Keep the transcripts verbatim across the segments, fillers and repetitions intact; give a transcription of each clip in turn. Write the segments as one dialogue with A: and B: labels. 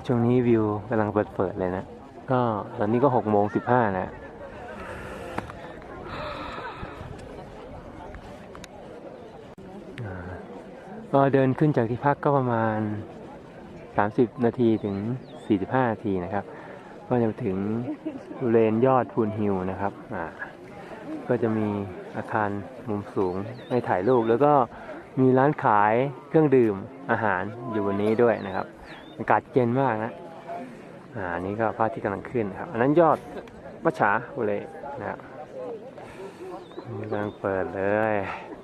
A: ช่วงนี้วิวกำลังเปิดเปิดเลยนะก็ตอนนี้ก็หกโมงสิบห้านะก็เดินขึ้นจากที่พักก็ประมาณสามสิบนาทีถึงสี่สิบห้านาทีนะครับก็จะถึงบริเวณยอดพูนฮิลนะครับอ่าก็จะมีอาคารมุมสูงให้ถ่ายรูปแล้วก็มีร้านขายเครื่องดื่มอาหารอยู่บนนี้ด้วยนะครับอากาศเย็นมากนะอ่านี่ก็พระอาทิตย์กำลังขึ้นครับอันนั้นยอดมัจฉาบุเรนะครับกำลังเปิดเลย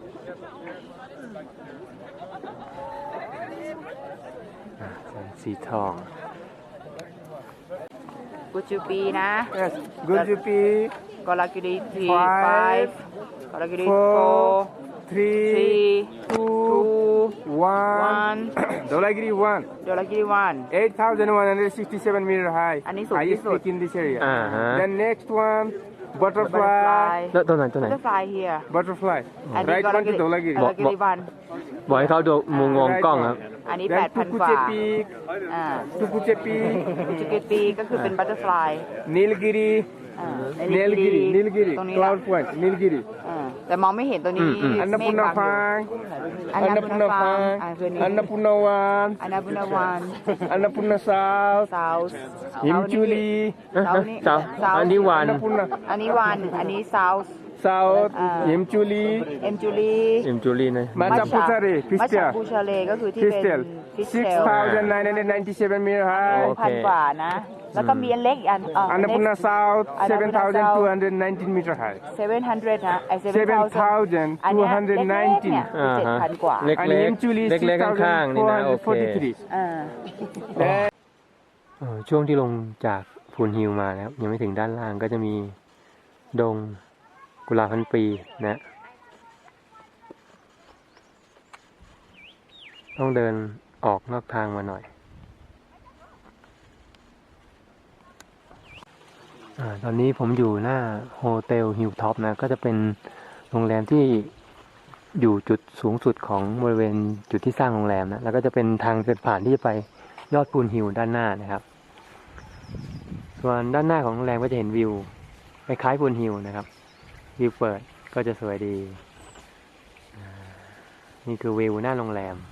A: สีทอง
B: กุจูปีนะ
C: Yes, Gurjupi,
B: กอลากิริที five กอลากิริ four
C: three,
B: three
C: two,
B: two
C: one.
B: one
C: Dholagiri one.
B: ดอลากิริ one
C: eight thousand one hundred sixty-seven meter high.
B: อันนี้สูงที่
C: Highest
B: สุด
C: peak in this area.
A: อ่าฮะ
C: Then next one,
B: butterfly
C: butterfly.
A: แล้วตัวไหนตัวไหน
B: butterfly here
C: Butterfly.
B: อันนี้
C: Right
B: กอลา
C: one
B: กิ
C: is
B: ริ
C: Dholagiri.
B: กอลากิริ one
A: บอกให้เขาดูมุมมองกล้องครับ
B: อันนี้แป
C: Then
B: ดพันกว่า
C: Tukuche Peak,
B: อ่า
C: Tukuche Peak,
B: กุจูปีก็คือเป็น butterfly
C: Nilgiri,
B: อ่า
C: Nilgiri, Nilgiri,
B: ตรงนี้
C: Cloud Point, Nilgiri.
B: อ่าแต่มองไม่เห็นตัวนี้
A: อืม
B: เมฆ
C: Annapurna
B: บังอยู่
C: Phang,
B: อันนาบุญ
C: Annapurna
B: ฟัง
C: Phang,
B: อ่าคืนนี้
C: Annapurna one,
B: อันนาบุญวัน
C: Annapurna South,
B: South
C: Himchuli,
A: เอ้ยเจ้าอันนี้วัน
C: Annapurna
B: อันนี้วันอันนี้ South
C: South,
B: Ah.
C: Himchuli,
B: เอ็มจูลี
A: เอ็มจูรี่นะ
C: Macha Puchare,
B: มัชชา
C: Pistia,
B: บูชาเลก็คือที่เป็น
C: Pistel,
B: ฟิสเท
C: six
B: ล
C: thousand nine hundred ninety-seven meter high,
B: พันกว่านะ แล้วก็มีอันเล็กอีกอันเออ
C: Annapurna South,
B: Annapurna
C: seven thousand two
B: South
C: hundred nineteen meter high,
B: เซเว่นฮันเดรดนะไอเซเว่น
C: seven
B: เทา
C: thousand
B: อันเนี้
C: two
B: ย
C: hundred
B: เล็กๆเนี่ย
C: nineteen,
A: อ่า
B: เจ็ด
A: ฮะ
B: พันกว่า
A: เล็ก
C: and
A: เล็ก
C: Himchuli
A: เล็กเล็ก
C: six
A: ข้างๆ
C: thousand
A: นี่
C: four
A: นะโอ
C: hundred
A: เค
C: forty-three.
B: อ่า
C: Then
A: เออช่วงที่ลงจากพูนฮิลมานะครับยังไม่ถึงด้านล่างก็จะมีดงกุหลาบพันปีนะต้องเดินออกนอกทางมาหน่อยอาตอนนี้ผมอยู่หน้าโฮเทลฮิลท็อปนะก็จะเป็นโรงแรมที่อยู่จุดสูงสุดของบริเวณจุดที่สร้างโรงแรมนะแล้วก็จะเป็นทางเดินผ่านที่จะไปยอดพูนฮิลด้านหน้านะครับส่วนด้านหน้าของโรงแรมก็จะเห็นวิวคล้ายๆพูนฮิลนะครับวิวเปิดก็จะสวยดีนี่คือวิวหน้าโรงแรม